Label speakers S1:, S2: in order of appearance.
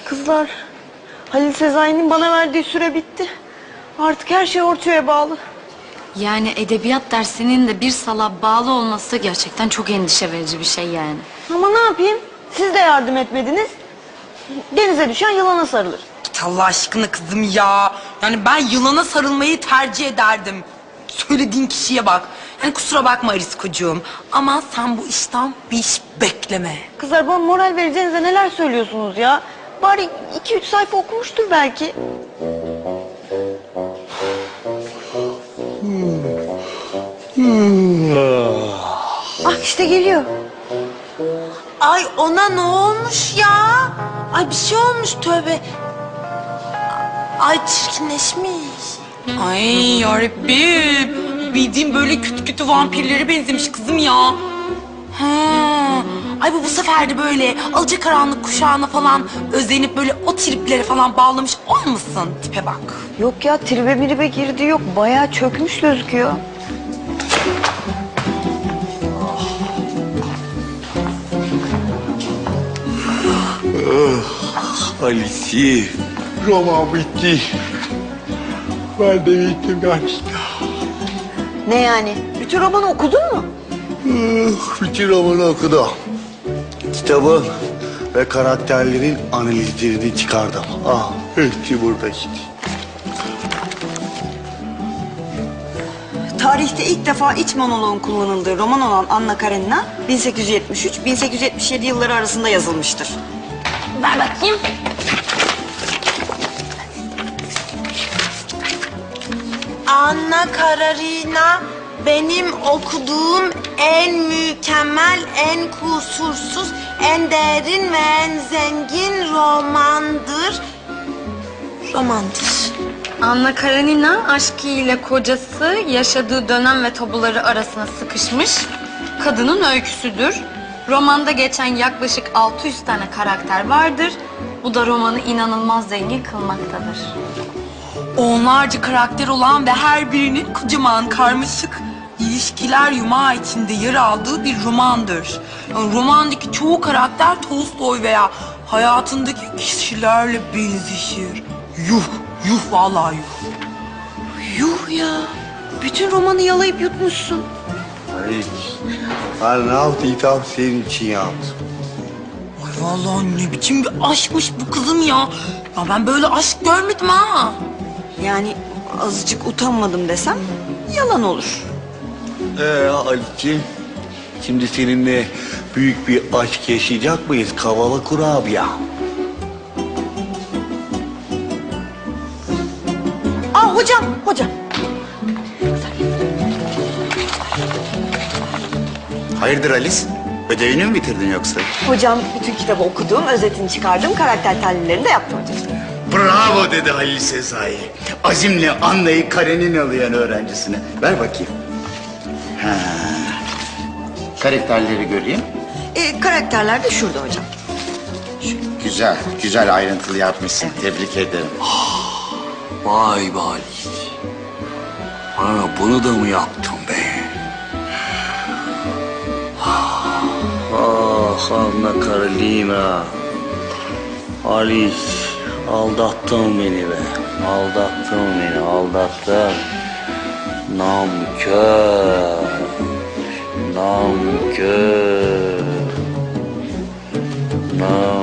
S1: Kızlar, Halil Sezai'nin bana verdiği süre bitti. Artık her şey ortaya bağlı.
S2: Yani edebiyat dersinin de bir sala bağlı olması gerçekten çok endişe verici bir şey yani.
S1: Ama ne yapayım? Siz de yardım etmediniz. Denize düşen yılana sarılır.
S3: Git Allah aşkına kızım ya. Yani ben yılana sarılmayı tercih ederdim. Söylediğin kişiye bak. Yani kusura bakma Ariskocuğum. Ama sen bu işten bir iş bekleme.
S1: Kızlar, bana moral vereceğinize neler söylüyorsunuz ya? Bari 2-3 sayfa okumuştur belki. Ah, işte geliyor.
S3: Ay ona ne olmuş ya? Ay bir şey olmuş tövbe. Ay çirkinleşmiş. Ay yarabbim. Bildiğim böyle kötü kötü vampirlere benzemiş kızım ya. Ha. Ay bu sefer de böyle alacakaranlık kuşağına falan özenip böyle o triplere falan bağlamış olmasın? Tipe bak.
S1: Yok ya, tribe miribe girdi yok. Bayağı çökmüş gözüküyor.
S4: Alice, roman bitti. Ben de bittim gerçekten.
S1: Ne yani? Bütün romanı okudun mu?
S4: Bütün romanı okudum. Kitabın ve karakterlerin analizlerini çıkardım. Ah, hepsi burada işte.
S1: Tarihte ilk defa iç monoloğun kullanıldığı roman olan Anna Karenina 1873-1877 yılları arasında yazılmıştır.
S2: Ver bakayım.
S3: Anna Karenina benim okuduğum en mükemmel, en kusursuz, en derin ve en zengin romandır. Romandır.
S2: Anna Karenina aşkı ile kocası yaşadığı dönem ve tabuları arasına sıkışmış kadının öyküsüdür. Romanda geçen yaklaşık 600 tane karakter vardır. Bu da romanı inanılmaz zengin kılmaktadır.
S3: Onlarca karakter olan ve her birinin kocaman karmaşık ilişkiler yumağı içinde yer aldığı bir romandır. Yani romandaki çoğu karakter Tolstoy veya hayatındaki kişilerle benzeşir. Yuh, yuh vallahi yuh.
S1: Yuh ya! Bütün romanı yalayıp yutmuşsun.
S4: Alice, ben ne yaptıysam senin için yaptım.
S3: Ay vallahi ne biçim bir aşkmış bu kızım ya. Ya ben böyle aşk görmedim ha.
S1: Yani azıcık utanmadım desem yalan olur.
S4: Alice'ciğim, şimdi seninle büyük bir aşk yaşayacak mıyız? Kavala kurabiye.
S1: Aa hocam, hocam.
S5: Hayırdır Alice? Ödevini mi bitirdin yoksa?
S1: Hocam bütün kitabı okudum, özetini çıkardım, karakter tahlillerini de yaptım hocam.
S5: Bravo dedi Halil Sezai. Azimle Anna'yı Kareninalıyan öğrencisine. Ver bakayım. Ha. Karakterleri göreyim.
S1: Karakterler de şurada hocam.
S5: Güzel, güzel ayrıntılı yapmışsın. Tebrik ederim.
S4: Vay be Alice. Bana bunu da mı yaptın be? Ah Anna Karolina. Alice, aldattın beni be. Aldattın beni, aldattın. Nankör. Nankör. Nankör.